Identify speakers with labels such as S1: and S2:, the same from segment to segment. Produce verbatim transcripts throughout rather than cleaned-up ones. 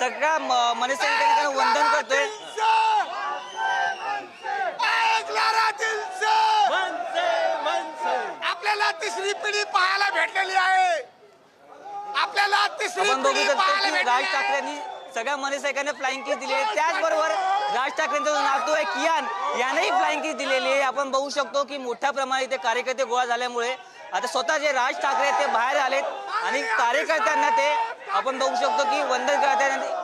S1: सगळ्या मनसैनिकांना वंदन करतोय।
S2: आपल्याला तिसरी पिढी पाहायला भेटलेली आहे। आपल्याला तिसरी
S1: आपण बघू
S2: पिढी
S1: शकतो
S2: पाहायला
S1: की
S2: भेटलेली
S1: राज
S2: आहे।
S1: ठाकरेंनी सगळ्या मनसैनिकांना फ्लाइंग किस दिली आहे। त्याचबरोबर राज ठाकरेंचा जो नातू आहे कियान यानेही फ्लाइंग किस दिलेली आहे। आपण बघू शकतो की मोठ्या प्रमाणात इथे कार्यकर्ते गोळा झाल्यामुळे आता स्वतः जे राज ठाकरे ते बाहेर आलेत आणि कार्यकर्त्यांना ते आपण बघू शकतो की वंदन करतात।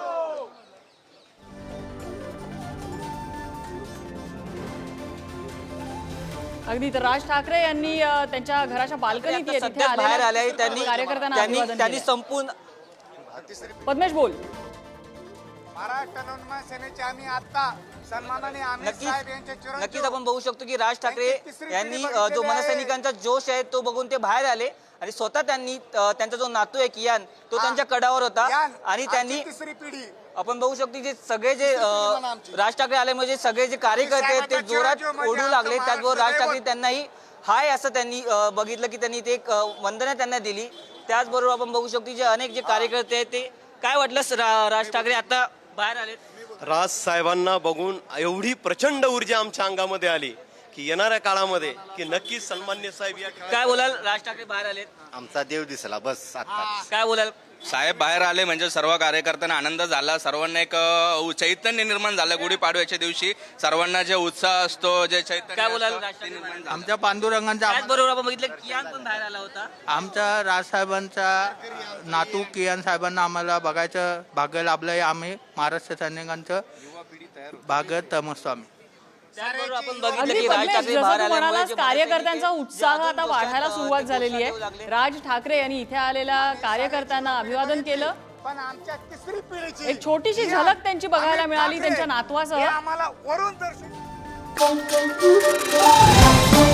S3: अगदी तर राज ठाकरे यांनी अ, त्यांच्या घराच्या बाल्कनीत
S1: आता सध्या बाहेर आले त्यांनी
S3: कार्यकर्त्यांना
S1: त्यांनी
S3: अभिवादन
S1: त्यांनी
S3: केलं।
S1: संपूर्ण
S3: पद्मेश बोल।
S2: महाराष्ट्र नवनिर्माण सेनेचे आम्ही आता सन्मानाने अमित
S1: नक्कीच
S2: साहेब यांचे चिरंजीव
S1: नक्कीच आपण बघू शकतो की राज ठाकरे
S2: त्यांची तिसरी पिढी
S1: यांनी अ,
S2: बघितलेली
S1: जो
S2: आहे।
S1: मनसैनिकांचा जोश आहे तो बघून ते बाहेर आले आणि स्वतः त्यांनी अ, त्यांचा जो नातू आहे कियान तो त्यांच्या कडावर होता
S2: यान,
S1: आणि
S2: आमची
S1: त्यांनी
S2: तिसरी पिढी
S1: आपण बघू शकतो की सगळे जे अ, राज ठाकरे आले म्हणजे सगळे जे कार्यकर्ते आहेत ते जोरात ओढू लागले। त्याचबरोबर राज ठाकरे त्यांनाही हाय असं त्यांनी अ, बघितलं की त्यांनी ते एक अ, वंदना त्यांना दिली। त्याचबरोबर आपण बघू शकतो जे अनेक जे कार्यकर्ते आहेत ते काय वाटलं रा- राज ठाकरे आता बाहेर आलेत?
S4: राज साहेबांना बघून एवढी प्रचंड ऊर्जा आमच्या अंगामध्ये आली की येणाऱ्या काळामध्ये की नक्कीच सन्मान्य साहेब या ठिकाणी
S1: काय बोलाल? राज ठाकरे बाहेर आलेत,
S5: आमचा देव दिसला बस आता।
S1: काय बोलाल?
S6: साहेब बाहेर आले म्हणजे सर्व कार्यकर्त्यांना आनंद झाला। सर्वांना एक अ, चैतन्य निर्माण झालं। गुढीपाडव्याच्या दिवशी सर्वांना जे उत्साह असतो जे चैतन्य
S1: काय बोलाल?
S6: असतं,
S1: राज
S6: ते
S1: ठाकरे
S6: निर्माण झालं.
S7: आमच्या पांडुरंगांचा
S1: त्याचबरोबर आपण बघितलं कियान पण बाहेर आला होता।
S7: आमच्या राजसाहेबांचा नातू कियान साहेबांना आम्हाला बघायचं भाग्य लाभलंय। आम्ही महाराष्ट्र सैनिकांचं भाग्य तमसतो आम्ही।
S1: त्याचबरोबर आपण बघितलं
S3: अगदी
S1: की राज
S3: पद्मेश,
S1: ठाकरे
S3: जसं
S1: बाहेर
S3: तू
S1: आल्यामुळे
S3: म्हणालास
S1: जे
S3: कार्यकर्त्यांचा
S1: मनसैनिक
S3: उत्साह
S1: आहेत,
S3: आता
S1: जे
S3: वाढायला
S1: अजून
S3: सुरुवात
S1: जोशात
S3: झालेली
S1: येऊ लागले.
S3: आहे। राज ठाकरे यांनी इथे आलेल्या कार्यकर्त्यांना अभिवादन केलं।
S2: पण आमच्या तिसरी पिढीची
S3: एक छोटीशी
S2: यान,
S3: झलक त्यांची बघायला
S2: अमित
S3: मिळाली
S2: ठाकरे
S3: त्यांच्या नातवासह।
S2: हे आम्हाला वरून दर्शन